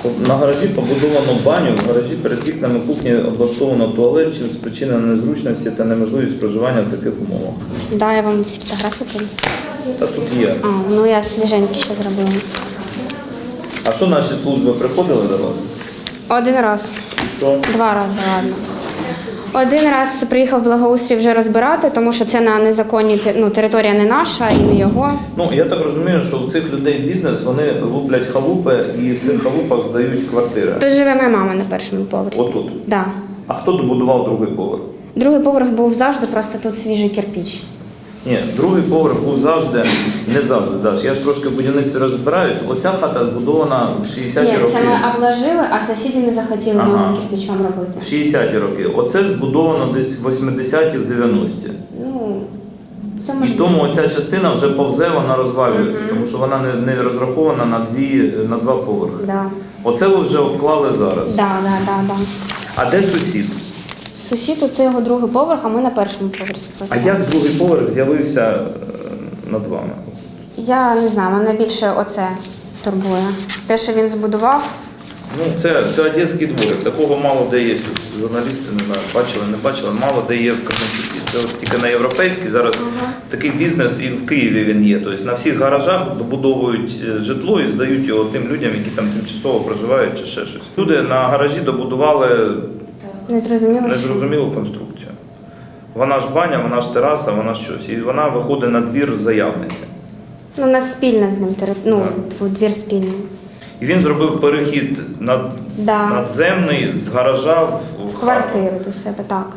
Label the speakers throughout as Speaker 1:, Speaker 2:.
Speaker 1: На гаражі побудовано баню, в гаражі перед вікнами кухні облаштовано туалет, чим спричинено незручності та неможливість проживання в таких умовах.
Speaker 2: Да, я вам всі фотографії принесла.
Speaker 1: Та тут є.
Speaker 2: Ну я свіженькі ще зробила.
Speaker 1: А що наші служби приходили до вас?
Speaker 2: Один раз.
Speaker 1: І що?
Speaker 2: 2 рази, ладно. Один раз приїхав благоустрій вже розбирати, тому що це на незаконній територія не наша і не його.
Speaker 1: Ну, я так розумію, що у цих людей бізнес, вони луплять халупи і в цих халупах здають квартири.
Speaker 2: Тут живе моя мама на першому поверсі.
Speaker 1: Отут?
Speaker 2: Да.
Speaker 1: А хто добудував другий поверх?
Speaker 2: Другий поверх був завжди, просто тут свіжий кирпич.
Speaker 1: Ні, другий поверх був завжди, не завжди, Даш. Я ж трошки в будівництві розбираюсь. Оця хата збудована в 60-ті
Speaker 2: Ні,
Speaker 1: роки.
Speaker 2: це ми обложили, а сусіди не захотіли новим кирпичом робити.
Speaker 1: В 60-ті роки. Оце збудовано десь в 80-ті, в 90-ті.
Speaker 2: Ну, це
Speaker 1: І
Speaker 2: можливо.
Speaker 1: тому оця частина вже повзе, вона розвалюється, тому що вона не розрахована на два поверхи.
Speaker 2: Да.
Speaker 1: Оце ви вже обклали зараз.
Speaker 2: Да.
Speaker 1: А де сусід?
Speaker 2: Сусід, оце його другий поверх, а ми на першому поверсі
Speaker 1: А
Speaker 2: проживаємо.
Speaker 1: як другий поверх з'явився над вами?
Speaker 2: Я не знаю, мене більше оце турбує. Те, що він збудував.
Speaker 1: Ну, це одеський дворик. Такого мало де є. Журналісти, не знаю, не бачили, мало де є в Кременчуці. Це от тільки на європейській зараз такий бізнес і в Києві він є. Тобто на всіх гаражах добудовують житло і здають його тим людям, які там тимчасово проживають чи ще щось. Люди на гаражі добудували незрозумілу конструкцію. Вона ж баня, вона ж тераса, вона щось. І вона виходить на двір заявниці.
Speaker 2: Ну, у нас спільна з ним двір спільний.
Speaker 1: І він зробив перехід надземний з гаража в
Speaker 2: квартиру до себе, так.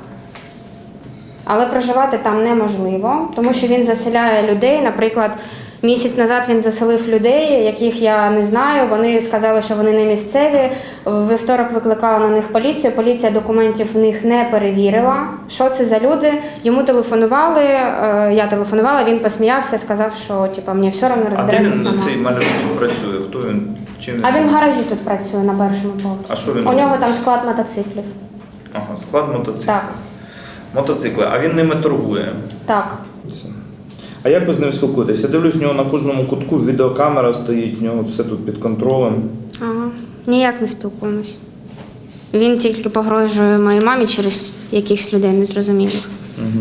Speaker 2: Але проживати там неможливо, тому що він заселяє людей. Наприклад, місяць назад він заселив людей, яких я не знаю. Вони сказали, що вони не місцеві. В вівторок викликала на них поліцію. Поліція документів в них не перевірила. Що це за люди? Йому телефонували, я телефонувала, він посміявся, сказав, що мені все одно розбереться сама.
Speaker 1: А де він, цей Малярчук, працює? Хто він? Чим він?
Speaker 2: А він в гаражі тут працює на першому поверсі.
Speaker 1: А що він
Speaker 2: У нього
Speaker 1: робить?
Speaker 2: там склад мотоциклів.
Speaker 1: Ага, склад мотоциклів.
Speaker 2: Так.
Speaker 1: Мотоцикли, а він ними торгує?
Speaker 2: Так.
Speaker 1: А як ви з ним спілкуєтесь? Я дивлюсь, у нього на кожному кутку відеокамера стоїть, у нього все тут під контролем.
Speaker 2: Ага. Ніяк не спілкуємось. Він тільки погрожує моїй мамі через якихось людей незрозумілих.
Speaker 1: Угу.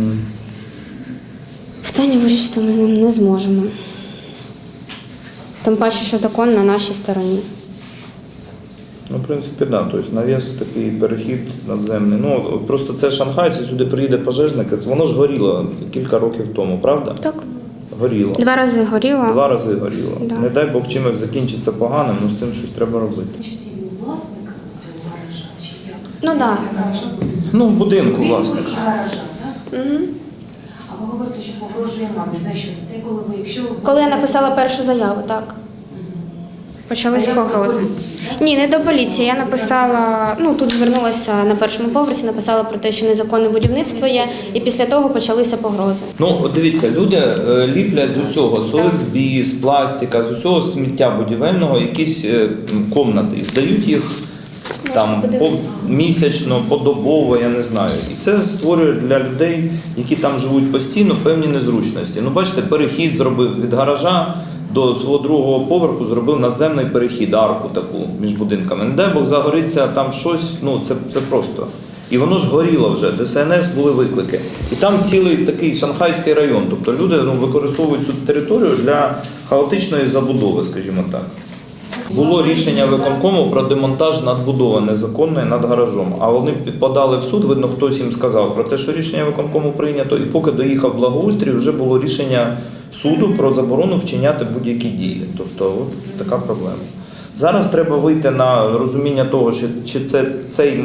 Speaker 2: Питання вирішити ми з ним не зможемо. Тим паче, що закон на нашій стороні.
Speaker 1: Ну, в принципі, так. Да. Тобто навіс такий перехід надземний. Ну, просто це Шанхай, це сюди приїде пожежник. Воно ж горіло кілька років тому, правда?
Speaker 2: Так.
Speaker 1: Горіло.
Speaker 2: 2 рази горіло.
Speaker 1: 2 рази горіло.
Speaker 2: Да.
Speaker 1: Не дай Бог чимось закінчиться поганим, ну з цим щось треба робити.
Speaker 3: Чи це він власник цього гаража, чи як?
Speaker 2: Ну так.
Speaker 1: Ну, в будинку,
Speaker 3: Він
Speaker 1: власне.
Speaker 3: і гаража, так?
Speaker 2: Угу.
Speaker 3: А ви говорите, що погрожує мамі. За що? За те, коли ви, якщо ви...
Speaker 2: Коли я написала першу заяву, так. Почались погрози. Ні, не до поліції. Я написала, тут звернулася на першому поверсі, написала про те, що незаконне будівництво є, і після того почалися погрози.
Speaker 1: Ну, от дивіться, люди ліплять з усього, з ОСБ, з пластика, з усього сміття будівельного, якісь комнати, і здають їх там місячно, подобово, я не знаю. І це створює для людей, які там живуть постійно, певні незручності. Ну, бачите, перехід зробив від гаража до свого другого поверху, зробив надземний перехід, арку таку між будинками. Не дай Бог загориться там щось, це просто. І воно ж горіло вже, ДСНС були виклики. І там цілий такий шанхайський район, тобто люди використовують цю територію для хаотичної забудови, скажімо так. Було рішення виконкому про демонтаж надбудови незаконної над гаражом, а вони подали в суд, видно, хтось їм сказав про те, що рішення виконкому прийнято, і поки доїхав благоустрій, вже було рішення суду про заборону вчиняти будь-які дії. Тобто от така проблема. Зараз треба вийти на розуміння того, чи це цей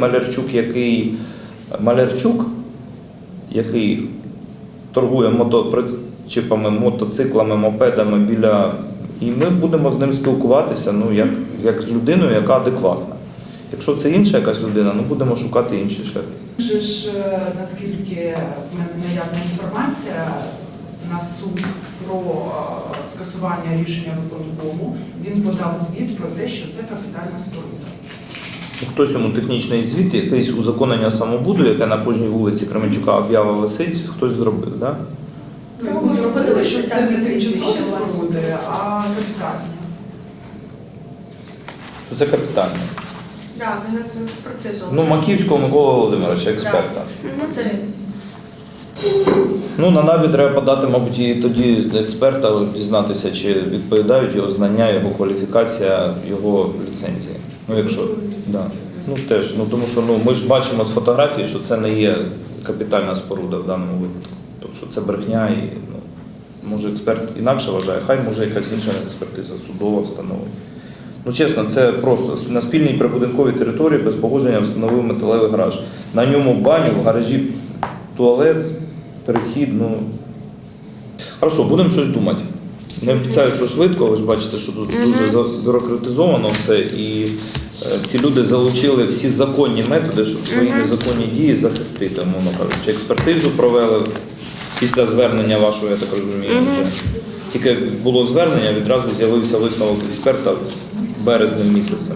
Speaker 1: Малярчук, який торгує мотопричіпами, мотоциклами, мопедами біля... І ми будемо з ним спілкуватися, як з людиною, яка адекватна. Якщо це інша якась людина, будемо шукати інші шляхи.
Speaker 4: Вже ж, наскільки в мене наявна інформація, на суд про скасування рішення виконкому, він подав звіт про те, що це капітальна споруда.
Speaker 1: Хтось йому технічний звіт, якесь узаконення самобуду, яке на кожній вулиці Кременчука об'ява висить, хтось зробив, так? Да?
Speaker 4: Ми зробили, що це не тимчасові споруди, а капітальні.
Speaker 1: що це капітальне.
Speaker 5: Так, він експертизу.
Speaker 1: Ну, Маківського Микола Володимировича, експерта.
Speaker 5: Це він.
Speaker 1: Ну, на НАБІ треба подати, мабуть, і тоді експерта, дізнатися, чи відповідають його знання, його кваліфікація, його ліцензії. Ну, якщо, да. Ну, теж, ну, тому що ми ж бачимо з фотографії, що це не є капітальна споруда в даному випадку. Тобто, що це брехня і, може, експерт інакше вважає, хай може якась інша експертиза, судова встановить. Ну, чесно, це просто на спільній прибудинковій території без погодження встановив металевий гараж. На ньому баню, в гаражі туалет, перехід, Хорошо, будемо щось думати. Не обіцяю, що швидко, ви ж бачите, що тут дуже забюрократизовано все, і ці люди залучили всі законні методи, щоб свої незаконні дії захистити, мовно кажучи. Експертизу провели після звернення вашого, я так розумію, вже. Тільки було звернення, відразу з'явився висновок експерта березнем місяцем.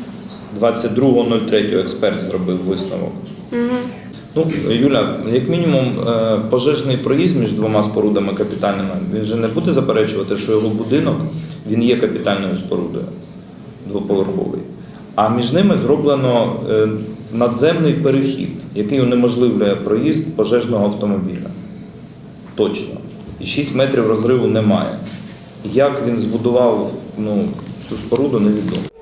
Speaker 1: 22.03 експерт зробив висновок. Ну, Юля, як мінімум, пожежний проїзд між двома спорудами капітальними, він же не буде заперечувати, що його будинок, він є капітальною спорудою, двоповерховий. А між ними зроблено надземний перехід, який унеможливлює проїзд пожежного автомобіля. Точно. І 6 метрів розриву немає. Як він збудував цю споруду, невідомо.